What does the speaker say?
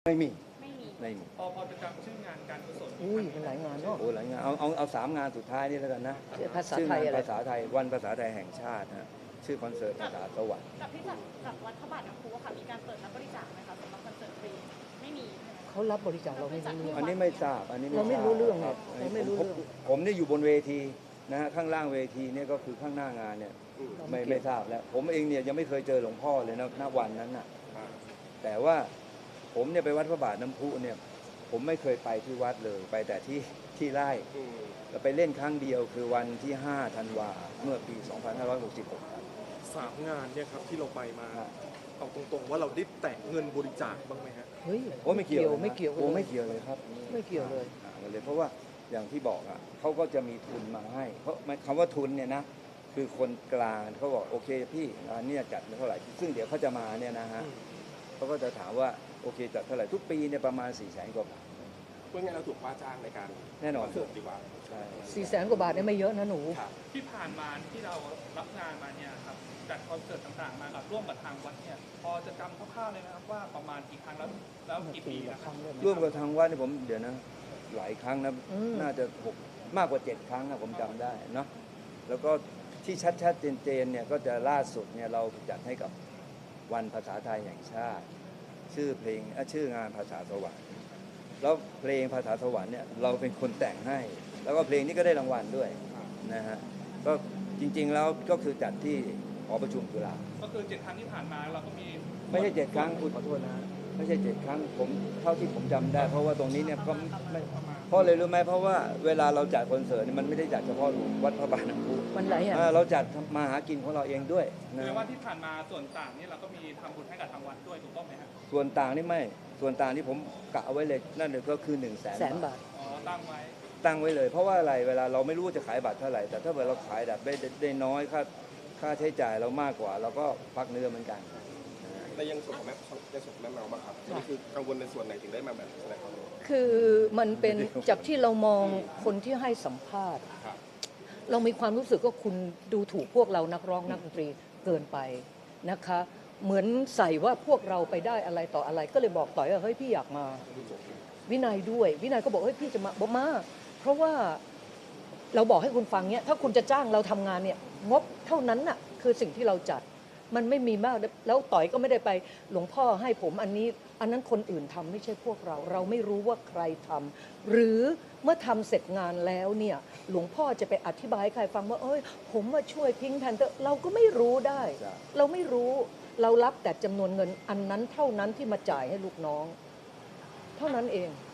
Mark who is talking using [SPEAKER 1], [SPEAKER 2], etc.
[SPEAKER 1] ไม่มี
[SPEAKER 2] ไม่มี
[SPEAKER 1] ไม่มี
[SPEAKER 3] พอจะจำชื่องานการกุศล
[SPEAKER 4] อุ้ยมันหลายงานเนาะ
[SPEAKER 1] โอ้หลายงานเอา3 งานสุดท้ายนี่แล้วกันนะ
[SPEAKER 4] ภาษา
[SPEAKER 1] ชื่อ
[SPEAKER 4] ไท
[SPEAKER 1] งาย น
[SPEAKER 4] อะไร
[SPEAKER 1] ภาษาไทยวันภาษาไทยแห่งชาติฮะชื่อคอนเสิร์ตภาษาสวรรค์
[SPEAKER 2] กับที่จากวัดพระบาทน้ำพุค่ะมีการเปิดรับบริจาคไหมคะสำหรับคอนเสิร์ตฟรีไม่มีใช่ไหม
[SPEAKER 4] เขารับบริจาคเราไม่รู้เรื่อง
[SPEAKER 1] อันนี้ไม่ทราบอันนี้
[SPEAKER 4] เราไม่รู้เรื่อง
[SPEAKER 1] ครับ
[SPEAKER 4] เราไม่รู้เรื่อง
[SPEAKER 1] ผมเนี่ยอยู่บนเวทีนะฮะข้างล่างเวทีเนี่ยก็คือข้างหน้างานเนี่ยไม่ทราบแล้วผมเองเนี่ยยังไม่เคยเจอหลวงพ่อเลยนะณวันนั้นน่ะแต่ว่าผมเนี่ยไปวัดพระบาทน้ำพุเนี่ยผมไม่เคยไปที่วัดเลยไปแต่ที่ไร่เราไปเล่นครั้งเดียวคือวันที่5 ธันวาเมื่อปี 2566 ครับ
[SPEAKER 3] 3 งานเนี่ยครับที่เราไปมาเอาตรงๆว่าเราได้แตะเงินบริจาคบ้างไหมฮะ
[SPEAKER 4] เฮ้ย
[SPEAKER 1] โอ้ไม่เกี่ยว
[SPEAKER 4] ไม่เกี่ยว
[SPEAKER 1] โอ้ไม่เกี่ยวเลยครับ
[SPEAKER 4] ไม่เกี่ยวเลย
[SPEAKER 1] เลยเพราะว่าอย่างที่บอกอ่ะเขาก็จะมีทุนมาให้เพราะคำว่าทุนเนี่ยนะคือคนกลางเขาบอกโอเคพี่อันนี้จัดเท่าไหร่ซึ่งเดี๋ยวเขาจะมาเนี่ยนะฮะเขาก็จะถามว่าโอเคจัดเท่าไหร่ทุกปีเนี่ยประมาณ400,000 กว่าบาท
[SPEAKER 5] เพื่อไงเราถูกว่าจ้างในการ
[SPEAKER 1] แน่นอน
[SPEAKER 5] เสิร์ฟดีกว่า
[SPEAKER 1] ใช่
[SPEAKER 4] 400,000 กว่าบาทเนี่ยไม่เยอะนะหนู
[SPEAKER 3] ที่ผ่านมาที่เรารับงานมาเนี่ยครับจัดคอนเสิร์ตต่างๆมากับร่วมกับทางวัดเนี่ยพอจะจำคร่าวๆเลยนะครับว่าประมาณกี่ครั้งแล้วกี่ปีนะครับ
[SPEAKER 1] ร่วมกับทางวัดนี่ผมเดี๋ยวนะหลายครั้งนะน่าจะมากกว่า7 ครั้งนะผมจำได้เนาะแล้วก็ที่ชัดๆเจนๆเนี่ยก็จะล่าสุดเนี่ยเราจัดให้กับวันภาษาไทยแห่งชาติชื่อเพลงชื่องานภาษาสวรรค์แล้วเพลงภาษาสวรรค์เนี่ยเราเป็นคนแต่งให้แล้วก็เพลงนี้ก็ได้รางวัลด้วยนะฮะก็จริงๆแล้วก็คือจัดที่หอประชุมจุฬา
[SPEAKER 3] ก็คือ7 ครั้งที่ผ่านมาเราก็มี
[SPEAKER 1] ไม่ใช่7 ครั้งขอโทษนะไม่ใช่7 ครั้งผมเท่าที่ผมจำได้เพราะว่าตรงนี้เนี่ยก็ไม่เพราะเลยรู้ไหมเพราะว่าเวลาเราจัดคอนเสิร์ตมันไม่ได้จัดเฉพาะวัดพระบาทน้ำพุ
[SPEAKER 4] มันหลายอย่าง
[SPEAKER 1] เราจัดมาหากินของเราเองด้วยนะ
[SPEAKER 3] คือว่าที่ผ่านมาส่วนต่างนี่เราก็มีทำบุญให้กับทางวัดด้วยถูกต้องไหมครับ
[SPEAKER 1] ส่วนต่างนี่ไม่ส่วนต่างที่ผมกะเอาไว้เลยนั่นก็คือ100,000 บาท
[SPEAKER 3] อ๋อตั้ง
[SPEAKER 1] ไว้เลยเพราะว่าอะไรเวลาเราไม่รู้ว่าจะขายบัตรเท่าไหร่แต่ถ้าเกิดเราขายแบบได้น้อยค่าใช้จ่ายเรามากกว่าเราก็พักเนื้อเหมือนกัน
[SPEAKER 5] ในยังส่วนของแม่เมาบ้างครับนี่คือกังวลในส่วนไหนถึงได้มาแบบแสดงความรู้
[SPEAKER 4] คือมันเป็นจากที่เรามองคนที่ให้สัมภาษณ์เรามีความรู้สึกว่าคุณดูถูกพวกเรานักร้องนักดนตรีเกินไปนะคะเหมือนใส่ว่าพวกเราไปได้อะไรต่ออะไรก็เลยบอกต่อยว่าเฮ้ยพี่อยากมาวินัยด้วยวินัยก็บอกเฮ้ยพี่จะมาบอกมาเพราะว่าเราบอกให้คุณฟังเนี่ยถ้าคุณจะจ้างเราทำงานเนี่ยงบเท่านั้นน่ะคือสิ่งที่เราจัดมันไม่มีมากแล้วต่อยก็ไม่ได้ไปหลวงพ่อให้ผมอันนี้อันนั้นคนอื่นทำไม่ใช่พวกเราไม่รู้ว่าใครทำหรือเมื่อทำเสร็จงานแล้วเนี่ยหลวงพ่อจะไปอธิบายให้ใครฟังว่าเอ้ยผมมาช่วยพิงค์แพนเตอร์เราก็ไม่รู้ได้เราไม่รู้เรารับแต่จำนวนเงินอันนั้นเท่านั้นที่มาจ่ายให้ลูกน้องเท่านั้นเอง